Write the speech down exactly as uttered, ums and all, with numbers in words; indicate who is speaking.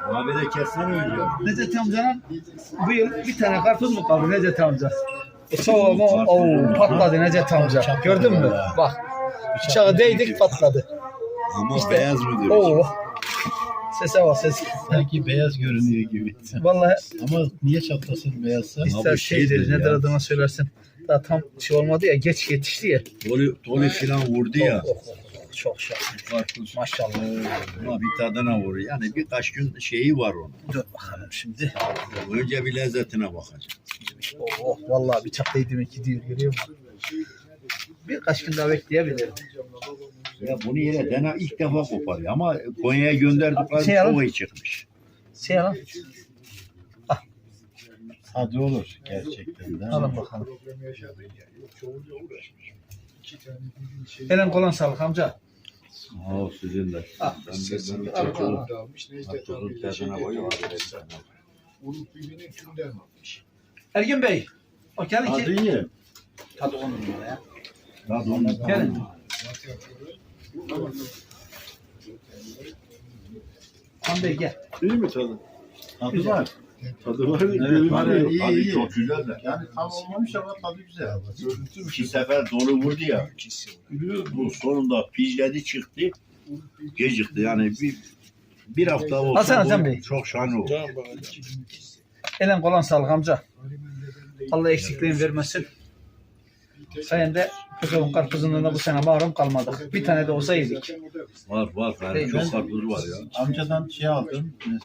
Speaker 1: Abi de kessen öyle.
Speaker 2: Necdet amcanın bu yıl bir tane karpuz mu kaldı Necdet amca? Soğuğu mu? Oo, patladı Necdet amca. Gördün mü? Bak. Bıçağı değdik patladı.
Speaker 1: Ama
Speaker 2: İşte,
Speaker 1: beyaz mı diyorsun?
Speaker 2: Oo. Sese bak ses.
Speaker 3: Sanki beyaz görünüyor gibi.
Speaker 2: Vallahi
Speaker 3: Ama niye çatlasın beyazsa?
Speaker 2: ister
Speaker 1: bu
Speaker 2: şeydir,
Speaker 1: şeydir
Speaker 2: nedir
Speaker 1: ya.
Speaker 2: adına söylersin. Daha tam şey olmadı ya, geç yetişti ya.
Speaker 1: Toli, toli filan vurdu ya.
Speaker 2: Oh, oh, oh, çok şahane.
Speaker 1: Karpuz.
Speaker 2: Maşallah.
Speaker 1: Ama bir tadına vurur. Yani birkaç gün şeyi var onun.
Speaker 2: Dur bakalım şimdi.
Speaker 1: Önce bir lezzetine bakacağım.
Speaker 2: Oh, oh vallahi bıçak değdi ki diyor, görüyor musun? Birkaç gün daha bekleyebilirdi.
Speaker 1: Ya bunu yine dene ilk defa koparıyor ama Konya'ya gönderdikleri
Speaker 2: Şey alalım.
Speaker 1: çok iyi çıkmış.
Speaker 2: Şey alın.
Speaker 3: Tadı olur gerçekten de.
Speaker 2: Alın bakalım. Elen kolon sağlık amca.
Speaker 1: Aa sizin de.
Speaker 2: Ah,
Speaker 1: Ben de ben de
Speaker 2: al,
Speaker 1: çok
Speaker 2: al, al.
Speaker 1: karpuzun tadına koyuyorum.
Speaker 2: Ergin Bey. O gelin
Speaker 3: Tadı
Speaker 2: ki.
Speaker 3: iyi.
Speaker 2: Tadı on numara ya.
Speaker 1: Tadı onun.
Speaker 2: Gelin. Han Bey gel.
Speaker 3: İyi mi tadı? Tadı
Speaker 2: Güzel.
Speaker 3: var. Tadı var.
Speaker 1: Evet,
Speaker 3: görünüyor.
Speaker 1: tadı,
Speaker 3: iyi
Speaker 1: tadı
Speaker 3: iyi.
Speaker 1: çok güzel de.
Speaker 3: Yani tam olmamış ama tadı güzel.
Speaker 1: İki sefer dolu vurdu ya. Bu sonunda pijledi çıktı. Gecikti yani bir bir hafta olsa
Speaker 2: Hasan, Hasan
Speaker 1: bu
Speaker 2: Bey.
Speaker 1: çok şahane olur.
Speaker 2: Elen kolon sağlık amca. Allah eksikliğini vermesin. Sayende Kızılın karpuzundan da bu sene mahrum kalmadık. Bir tane de olsa yedik.
Speaker 1: Var var yani
Speaker 2: Değil,
Speaker 1: çok
Speaker 2: ben-
Speaker 1: karpuz var ya.
Speaker 3: Amcadan şey aldım.